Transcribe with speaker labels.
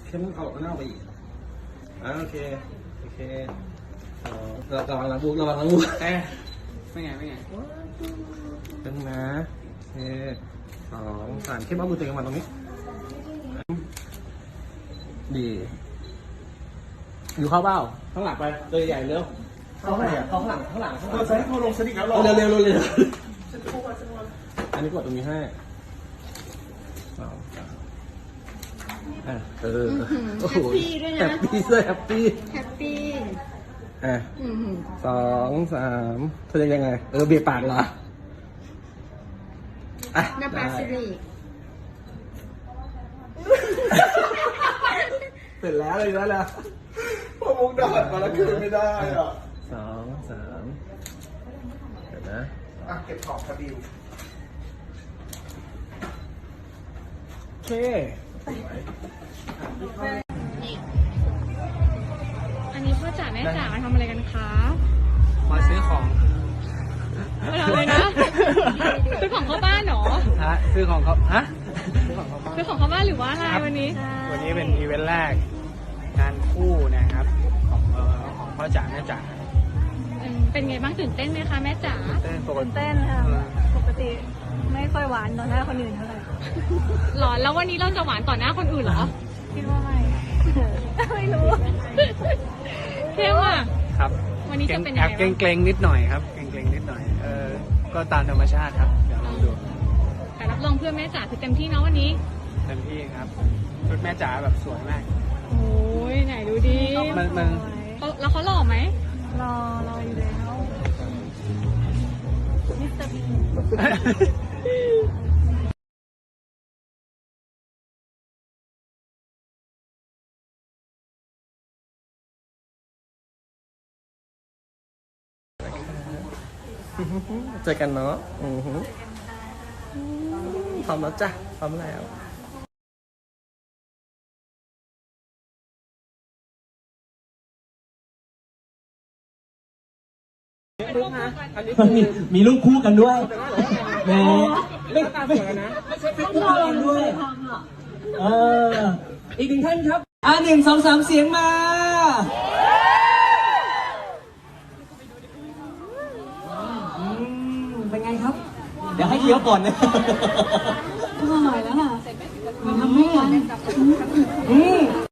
Speaker 1: เข้มเอาหน้าไปอีกโอเคระวังหลังบุกไม่ไงเป็นนะโอเค2 3เข้มเอามือตัวเองมาตรงนี้ดีอยู่เข้าเบ้าข้างหลังไปตัวใหญ่เร็วเข้าไหนอ่ะเข้าข้างหลังเข้าลงสนิทแล้วเร็วอันนี้กดตรงนี้ให้โอ้โหแฮปปี้ด้วยแฮปปี้2 3เธอยังไงเบียดปากเหรอ
Speaker 2: น้ำปลาซิริ
Speaker 1: เสร็จแล้วเลยแล้ว
Speaker 3: พอมุกดาดมาแล้วคืนไม่ได้อ่ะ
Speaker 1: 2 3เดี๋ยวนะ
Speaker 3: เก็บของคดี
Speaker 1: โอเค
Speaker 2: อันนี้พ่อจ๋าแม่จ๋ามาทำอะไรกันคะ
Speaker 1: มาซื้อของ
Speaker 2: มาทำอะไรนะซื้อของเข้าบ้านเหรอ
Speaker 1: ซื้อของเขา
Speaker 2: ซื้อของเข้าบ้านหรือว่าอะไรวันนี้
Speaker 1: เป็นอีเวนต์แรกงานคู่นะครับของพ่อจ๋าแม่จ๋า
Speaker 2: เป็นไงบ้างตื่นเต้นไหมคะแม่จ๋า
Speaker 4: ตื่นเต้นค่ะปกติไม่ค่อยหวานต่อหน้าคนอื่นเท่าไหร่
Speaker 2: หรอแล้ววันนี้เราจะหวานต่อหน้าคนอื่นเหรอ
Speaker 4: คิดว่าไม่รู้
Speaker 2: เข้มอ่ะ
Speaker 1: ครับ
Speaker 2: วันนี้จะเป็นยังไง
Speaker 1: เกรงนิดหน่อยครับเกรงนิดหน่อยก็ตามธรรมชาติครับเดี๋ยวลองดู
Speaker 2: แต่รับรองเพื่อนแม่จ๋าคือเต็มที่เนาะวันนี้
Speaker 1: เต็มที่ครับชุดแม่จ๋าแบบสวยมาก
Speaker 2: โอ้ยไหนดูดิ
Speaker 1: มัน
Speaker 2: แล้วเขาหล่อไหม
Speaker 4: รออยู่แล้วมิสเตอร์บี
Speaker 1: เจอกันเนาะพร้อมแล้วจ้ะพร้อมแล้ว
Speaker 5: มีลูกคู่กันด้วยแหมไม่ตาสวยนะไม่ใช่คู่กันด้วยอีกหนึ่งท่านครับ1 2 3เสียงมาเป็นไงครับเดี๋ยวให้เคี้ยวก่อนนะ
Speaker 4: อร่อยแล้วค่ะมันทำให้